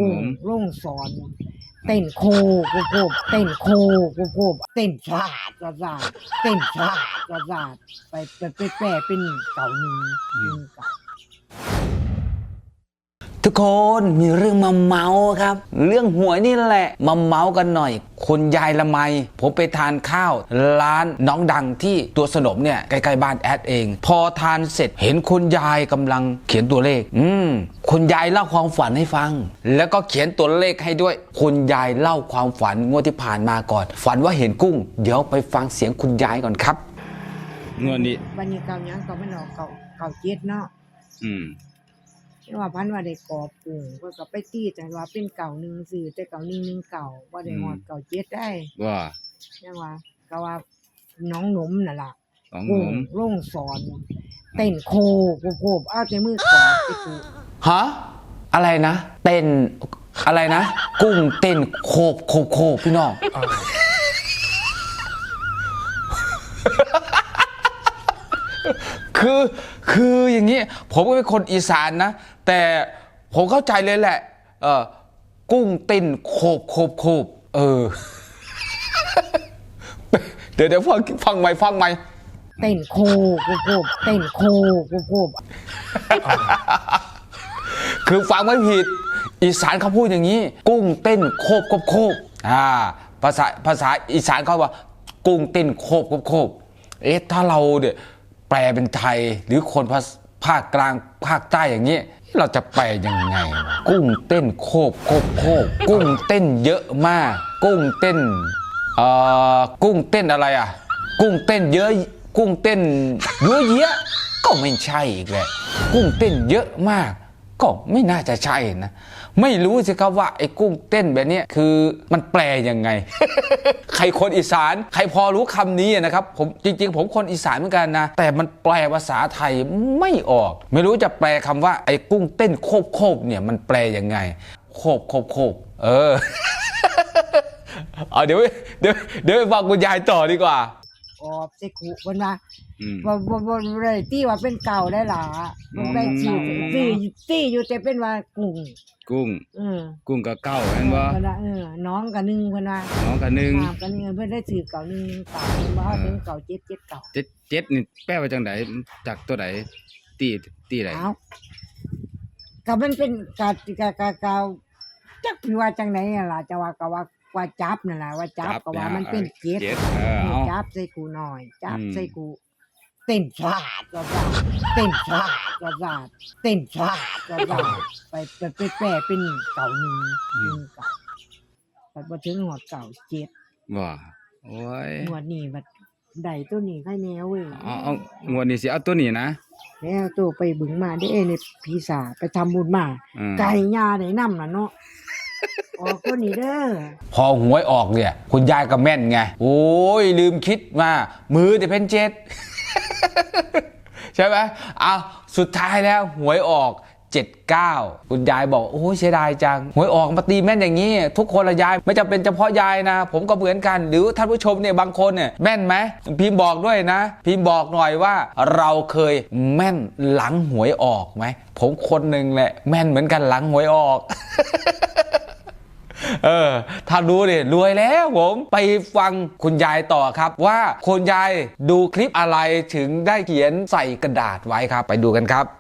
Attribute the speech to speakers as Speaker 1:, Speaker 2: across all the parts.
Speaker 1: กุ้งลงสอนเต้นโคกูโคบเต้นโคกูโคบเต้นชาดกระซาดเต้นชาดกระซาดไปแปลเป็นเก่าหนึ่งเก่า
Speaker 2: ทุกคนมีเรื่องมาเมาครับเรื่องหวยนี่แหละมาเมากันหน่อยคุณยายละไมผมไปทานข้าวร้านน้องดังที่ตัวสนมเนี่ยใกล้ๆบ้านแอดเองพอทานเสร็จเห็นคุณยายกำลังเขียนตัวเลขคุณยายเล่าความฝันให้ฟังแล้วก็เขียนตัวเลขให้ด้วยคุณยายเล่าความฝันงวดที่ผ่านมาก่อนฝันว่าเห็นกุ้งเดี๋ยวไปฟังเสียงคุณยายก่อนครับ
Speaker 3: งวดนี้
Speaker 1: วันนี้เก่ายังก็ไม่นอกเก่าเจ็ดเนาะที่ว่าพันว่าได้กอบกุ้งเพิ่นก็ไปตีแต่ว่าเป็นเก่าหนึ่งสื่อแต่เก่า1 1เก่าบ่ได้ฮอดเก่าเจ็ดได้
Speaker 3: ว่า
Speaker 1: ยังว่าก็ว่าน้องหนมนั่นล่ะ
Speaker 3: ของ
Speaker 1: กุ้
Speaker 3: ผ
Speaker 1: ง
Speaker 3: ม
Speaker 1: ลงสอนเต้นโคกูโคบเอาแต่มือกอดไปกู
Speaker 2: ฮะอะไรนะเต้นอะไรนะกุ้งเต้นโคบโคบพี่น้องคืออย่างนี้ผมก็เป็นคนอีสานนะแต่ผมเข้าใจเลยแหละกุ้งเต้นโคบเดี๋ยวฟังใหม่
Speaker 1: เต้นโคกูโคบเต้นโคกูโคบ
Speaker 2: คือฟังไม่ผิดอีสานเขาพูดอย่างนี้กุ้งเต้นโคบภาษาอีสานเขาว่ากุ้งเต้นโคบถ้าเราเนี่ยแปลเป็นไทยหรือคนภาคกลางภาคใต้อย่างนี้เราจะแปลยังไงกุ้งเต้นโคบกุ้งเต้นเยอะมากกุ้งเต้นกุ้งเต้นอะไรอ่ะกุ้งเต้นเยอะกุ้งเต้นเยอะก็ไม่ใช่อีกแหละกุ้งเต้นเยอะมากก็ไม่น่าจะใช่นะไม่รู้สิครับว่าไอ้กุ้งเต้นแบบนี้คือมันแปลยังไง ใครคนอีสานใครพอรู้คำนี้นะครับผมจริงๆผมคนอีสานเหมือนกันนะแต่มันแปลภาษาไทยไม่ออกไม่รู้จะแปลคำว่าไอ้กุ้งเต้นโคบเนี่ยมันแปลยังไงโคบเอาเดี๋ยวไปฟังคุณยายต่อดีกว่า
Speaker 1: ออบใส่ขู่เพิ่นว่าบ่ได้ตีว่าเป็นเก่าได้ล่ะบ่ได้ตีอยู่แต่เป็นว่ากุ้ง
Speaker 3: กุ้งกับเก้าแม่นบ่
Speaker 1: เพิ่นว่าน้องกับ1เพิ่นว่า
Speaker 3: น้องกับ1
Speaker 1: กับ1เพิ่นได้ถือเก่า1เก่าเพิ่นว่าถึงเก่า7 7เก่า
Speaker 3: 7นี่แปลว่าจังไดจากตัวใดตีใด
Speaker 1: ก็มันเป็นกะจักว่าจังได๋ล่ะจะว่าก็ว่าจับนั่นล่ะว่าจับก็ว่ามันเป็น7จับใส่กูหน่อยจับใส่กูเต้นชาดก็ว่าเต้นชาดก็ว่าเต้นชาดก็ว่าไปแปลเป็นเก่า1เก่าบัดบ่ถึงฮอดเก่า7
Speaker 3: ว่าโอ้ย
Speaker 1: งวดนี้บัดได้ตัวนี้ใครแนวเว้ย
Speaker 3: เอางวดนี้สิเอาตัวนี้นะ
Speaker 1: แล้วตัวไปบึงมาเด้นี่พี่สาไปทำบุญมาไก่ย่าได้นำน่ะเนาะออกตัวนี้เด้อ
Speaker 2: พอหวยออกเนี่ยคุณยายก็แม่นไงโอ้ยลืมคิดมามือจะเป็น7ใช่ไหมเอาสุดท้ายแล้วหวยออก79คุณยายบอกโอ้ยเสียดายจังหวยออกมาตีแม่นอย่างนี้ทุกคนละยายไม่จำเป็นเฉพาะยายนะผมก็เหมือนกันหรือท่านผู้ชมเนี่ยบางคนเนี่ยแม่นไหมพิมพ์บอกด้วยนะพิมพ์บอกหน่อยว่าเราเคยแม่นหลังหวยออกไหมผมคนหนึ่งแหละแม่นเหมือนกันหลังหวยออก ถ้ารู้ดิรวยแล้วผมไปฟังคุณยายต่อครับว่าคุณยายดูคลิปอะไรถึงได้เขียนใส่กระดาษไว้ครับไปดูกันครับ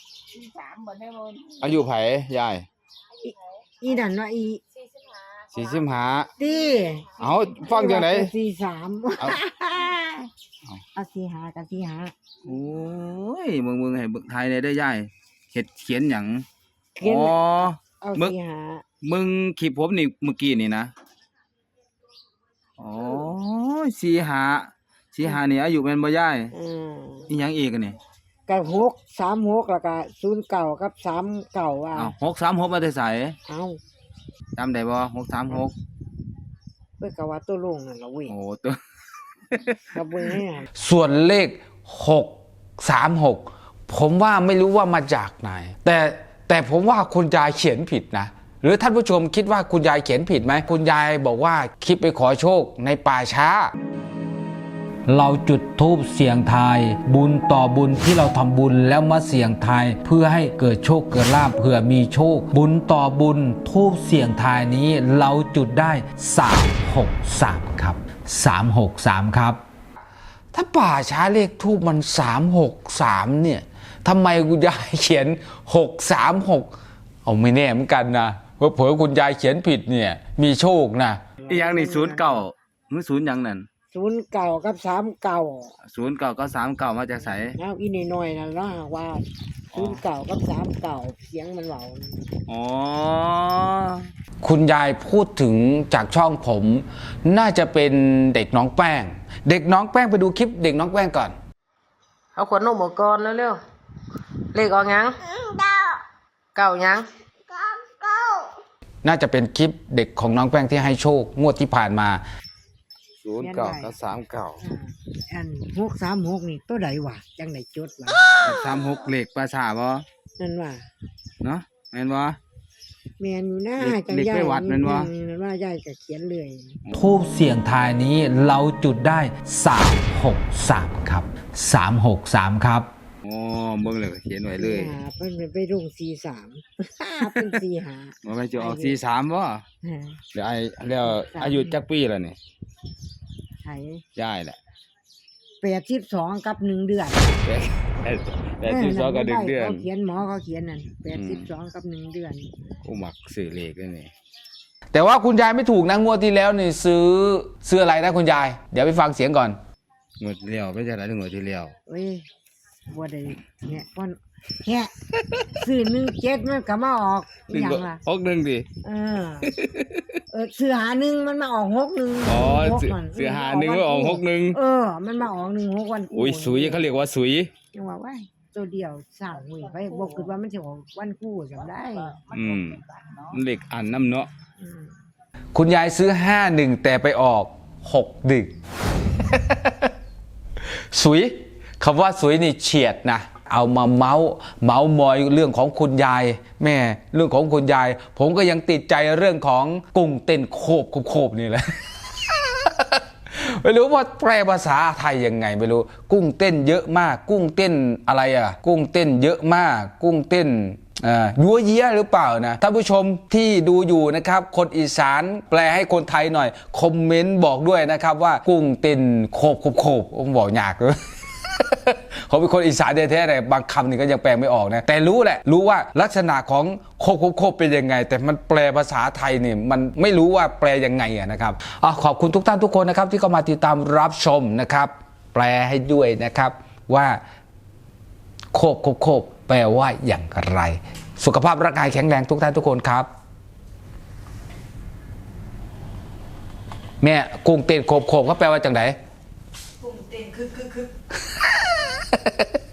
Speaker 3: อายุไผยาย
Speaker 1: อีนั่นว่าอี
Speaker 3: 45
Speaker 1: ติ
Speaker 3: เอาฟังจังได๋
Speaker 1: 43เอา45กับ45
Speaker 3: โอ้ยมึงให้เบิ่งไทยได้เด้อยายเฮ็ดเขียนหยัง
Speaker 1: อ๋อเอา
Speaker 3: มึงคลิปผมนี่เมื่อกี้นี่นะอ๋อ45นี่อายุแม่นบ่ยายอีหยังอีกอันนี่
Speaker 1: ก็636แล้วก็09กับ39ว่า
Speaker 3: 636มาแต่ไสจำได้บ่636
Speaker 1: เพิ่นก็ว่าตัวลงนั่นล่ะเว้ย
Speaker 3: โอ้ตัว
Speaker 1: ก็เบิ่งให้
Speaker 2: ส่วนเลข636ผมว่าไม่รู้ว่ามาจากไหนแต่ผมว่าคุณยายเขียนผิดนะหรือท่านผู้ชมคิดว่าคุณยายเขียนผิดไหมคุณยายบอกว่าคลิปไปขอโชคในป่าช้าเราจุดธูปเสี่ยงทาย บุญต่อบุญที่เราทำบุญแล้วมาเสี่ยงทายเพื่อให้เกิดโชคเกิดลาภเผื่อมีโชค บุญต่อบุญธูปเสี่ยงทายนี้เราจุดได้363ครับ363ครับถ้าป่าช้าเลขทูปมัน363เนี่ยทำไมคุณยายเขียน636เอาไม่แน่เหมือนกันนะเผลอๆคุณยายเขียนผิดเนี่ยมีโชคนะ
Speaker 3: อีหยังนี่09มื้อ0หยังนั่น
Speaker 1: 09กับ39
Speaker 3: 09ก็39มาจากไส
Speaker 1: เอาอีน้อยๆนั่นเนาะว่า09กับ39เสียงมันเว้า
Speaker 3: อ๋อ
Speaker 2: คุณยายพูดถึงจากช่องผมน่าจะเป็นเด็กน้องแป้ง เด็กน้องแป้งไปดูคลิปเด็กน้องแป้งก่อน
Speaker 4: เอาขวดนมออกก่อนเร็วๆเลขออกยังเก้ายัง
Speaker 2: น่าจะเป็นคลิปเด็กของน้องแป้งที่ให้โชคงวดที่ผ่านมา
Speaker 3: 09กับ39
Speaker 1: อัน636นี่ตัวใดวะจังได๋จดวะ
Speaker 3: 36เลขภาษาบ่
Speaker 1: นั่นว่า
Speaker 3: เนาะแม่นบ่
Speaker 1: แม่นอยู่นะ
Speaker 3: เด็ก
Speaker 1: จัง
Speaker 3: เด็ก
Speaker 1: ยาย
Speaker 3: ไปวัดแม่นวะ
Speaker 1: นั่นว่ายายก็เขียนเลย
Speaker 2: ทูบเสี่ยงทายนี้เราจุดได้363ครับ363ครับ
Speaker 3: อ๋อเบิ่งเลยเขียนไว้เลย
Speaker 1: เพิ่นไปลง43เป็น45
Speaker 3: ว่าไปจะออก43บ่แล้วแล้วอายุจักปีแล้วนี่
Speaker 1: ไถ
Speaker 3: ยายแหละ
Speaker 1: 82กับ1เดือน
Speaker 3: แต่12กับ1เดือน
Speaker 1: เขาเขียนหมอเขาเขียนนั่น82กับ1เดือน
Speaker 3: กูมักซื้อเลขเลยนี่
Speaker 2: แต่ว่าคุณยายไม่ถูกนะงวดที่แล้วนี่ซื้ออะไรนะคุณยาย เดี๋ยวไปฟังเสียงก่อน
Speaker 3: งวดเลี้ยวไปจังได๋งวดที่แล้ว
Speaker 1: เว้ยบ่ได้เนี่ยก่อนแค่ซื้อ17มันก็มาออกอหยังล่ะ
Speaker 3: 61ดิ
Speaker 1: ซื้อหา1มันมาออก61
Speaker 3: อ๋อ
Speaker 1: 61มัน
Speaker 3: ซื้อหา1ก็ออก61
Speaker 1: มันมาออก16วัน
Speaker 3: อุ้ยสุยเขาเรียกว่าสุย
Speaker 1: จังว่าว้ายตัวเดียวสร้างเว้ยไปบ่คิดว่ามันสิออกวันคู่จำได้
Speaker 3: มันเลขอันนำเนาะ
Speaker 1: อืม
Speaker 2: คุณยายซื้อ51แต่ไปออก61สุยคำว่าสุยนี่เฉียดนะเอามาเมาส์มอยเรื่องของคุณยายแม่เรื่องของคุณยาย ผมก็ยังติดใจเรื่องของกุ้งเต้นโคบนี่แหละ ไม่รู้ว่าแปลภาษาไทยยังไงไม่รู้กุ้งเต้นเยอะมากกุ้งเต้นอะไรอ่ะกุ้งเต้นเยอะมากกุ้งเต้นยัวเยี้ยหรือเปล่านะท่านผู้ชมที่ดูอยู่นะครับคนอีสานแปลให้คนไทยหน่อยคอมเมนต์บอกด้วยนะครับว่ากุ้งเต้นโคบผมบอกยากเลย เขาเป็นคนอีสานแท้ๆแต่บางคำนี่ก็ยังแปลไม่ออกนะแต่รู้แหละรู้ว่าลักษณะของโคบเป็นยังไงแต่มันแปลภาษาไทยนี่มันไม่รู้ว่าแปลยังไงนะครับขอบคุณทุกท่านทุกคนนะครับที่เข้ามาติดตามรับชมนะครับแปลให้ด้วยนะครับว่าโคบแปลว่าอย่างไรสุขภาพร่างกายแข็งแรงทุกท่านทุกคนครับแม่กุ้งเต้นโคบเขาแปลว่าจังไหนกุ้งเต้นคึก